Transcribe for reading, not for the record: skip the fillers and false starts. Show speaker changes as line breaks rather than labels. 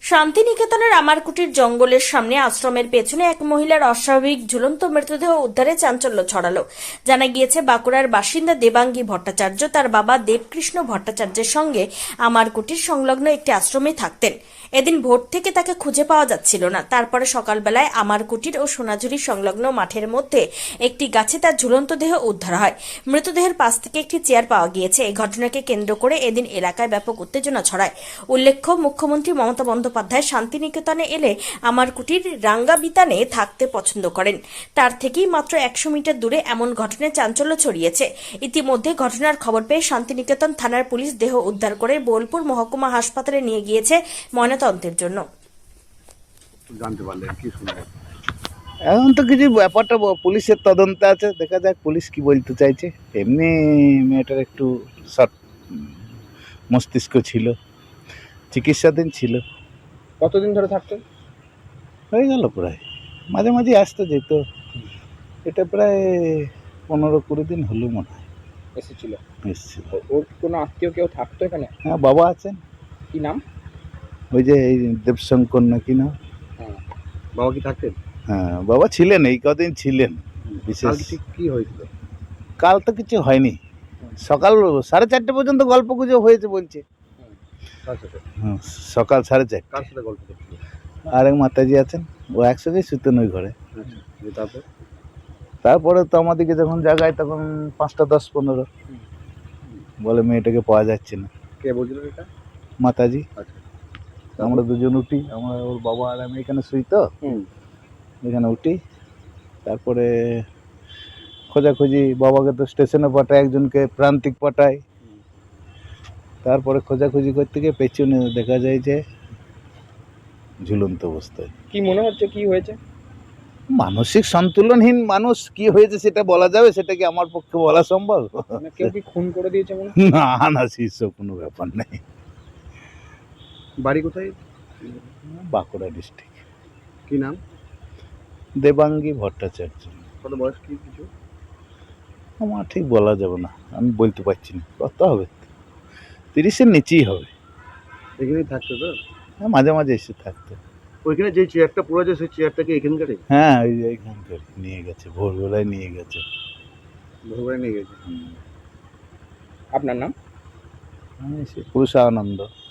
শান্তিনিকেতনের আমারকুটির জঙ্গলের সামনে আশ্রমের পেছনে এক মহিলার অস্বাভাবিক ঝুলন্ত মৃতদেহ উদ্ধারে চাঞ্চল্য ছড়ালো। জানা গিয়েছে, বাঁকুড়ার বাসিন্দা দেবাঙ্গী ভট্টাচার্য তার বাবা দেবকৃষ্ণ ভট্টাচার্যের সঙ্গে আমারকুটির সংলগ্ন একটি আশ্রমে থাকতেন। এদিন ভোর থেকে তাকে খুঁজে পাওয়া যাচ্ছিল না। তারপরে সকালবেলায় আমারকুটির ও সোনাঝুরি সংলগ্ন মাঠের মধ্যে একটি গাছে তার ঝুলন্ত দেহ উদ্ধার হয়। মৃতদেহের পাশ থেকে একটি চেয়ার পাওয়া গিয়েছে। এই ঘটনাকে কেন্দ্র করে এদিন এলাকায় ব্যাপক উত্তেজনা ছড়ায়। উল্লেখ্য, মুখ্যমন্ত্রী মমতা বন্দ্যোপাধ্যায় শান্তিনিকেতনে এলে আমারকুটির রাঙ্গাবিতানে থাকতে পছন্দ করেন। তার থেকেই মাত্র 100 মিটার দূরে এমন ঘটনায় চাঞ্চল্য ছড়িয়েছে। ইতিমধ্যে ঘটনার খবর পেয়ে শান্তিনিকেতন থানার পুলিশ দেহ উদ্ধার করে বোলপুর মহকুমা হাসপাতালে নিয়ে গিয়েছে ময়নাতদন্তের জন্য।
জানতে পারলেন কি শুনলেন?
এখন তো কিছু ব্যাপারটা পুলিশের তদন্তে আছে, দেখা যাক পুলিশ কি বলতে চাইছে। এমনি মেয়েটার একটু শর্ট মস্তিষ্ক ছিল, চিকিৎসাধীন ছিল।
কতদিন ধরে থাকতেন?
হয়ে গেল প্রায়, মাঝে মাঝে আসতে যেত। এটা প্রায় 15-20 দিন হলো মনে হয়
এসেছিল।
এসেছিল।
ওর কোনো আত্মীয় কেউ থাকতো এখানে?
হ্যাঁ, বাবা আছেন।
কি নাম?
ওই যে এই দেবশঙ্কর নাকি না।
হ্যাঁ, বাবা কি থাকতেন?
হ্যাঁ, বাবা ছিলেন, এই কদিন ছিলেন। বিশেষ
কাল ঠিক কি হয়েছিল?
কাল তো কিছু হয়নি, সকাল 4:30 পর্যন্ত গল্প গুজব হয়েছে বলছে।
কার সাথে?
হ্যাঁ, সকাল 4:30।
কার সাথে গল্প করছিল?
আর এক মাতাজি আছেন, ও একসঙ্গেই শুতেন ওই ঘরে।
আচ্ছা, তারপর?
তারপরে তো আমাদেরকে যখন জাগায় তখন 5টা 10-15 বলে মেয়েটাকে পাওয়া যাচ্ছে না।
কে বলছিল এটা?
মাতাজি।
আচ্ছা,
আমরা দুজন উঠি, আমরা ওর বাবা আর আমি এখানে শুই তো, এখানে উঠি। তারপরে খোঁজাখুঁজি, বাবাকে তো স্টেশনে পাঠায়, একজনকে প্রান্তিক পাঠায়। তারপরে খোঁজাখুঁজি করতে গিয়ে পেছনে দেখা যায় যে ঝুলন্ত অবস্থায়।
কি মনে হচ্ছে কি হয়েছে?
মানসিক সন্তুলনহীন মানুষ, কি হয়েছে সেটা বলা যাবে? সেটা কি আমার পক্ষে বলা সম্ভব?
কেউ কি খুন করে দিয়েছে মনে?
না না, সেসব কোনো ব্যাপার নেই।
বাড়ি কোথায়?
বাঁকুড়া ডিস্ট্রিক্ট।
কি নাম?
দেবাঙ্গী ভট্টাচার্য।
কত বয়স কি কিছু?
আমার ঠিক বলা যাবে না, আমি বলতে পারছি না। কত হবে, 30-এর নিচেই হবে।
এখানেই থাকতো তো?
হ্যাঁ, মাঝে মাঝে এসে থাকতো।
ওইখানে যে চেয়ারটা পড়ে আছে সেই চেয়ারটাকে এখানকারই?
হ্যাঁ, ওই যে এইখানকার নিয়ে গেছে, ভোরবেলায় নিয়ে গেছে।
ভোরবেলায় নিয়ে গেছে। আপনার নাম?
পুরুষানন্দ।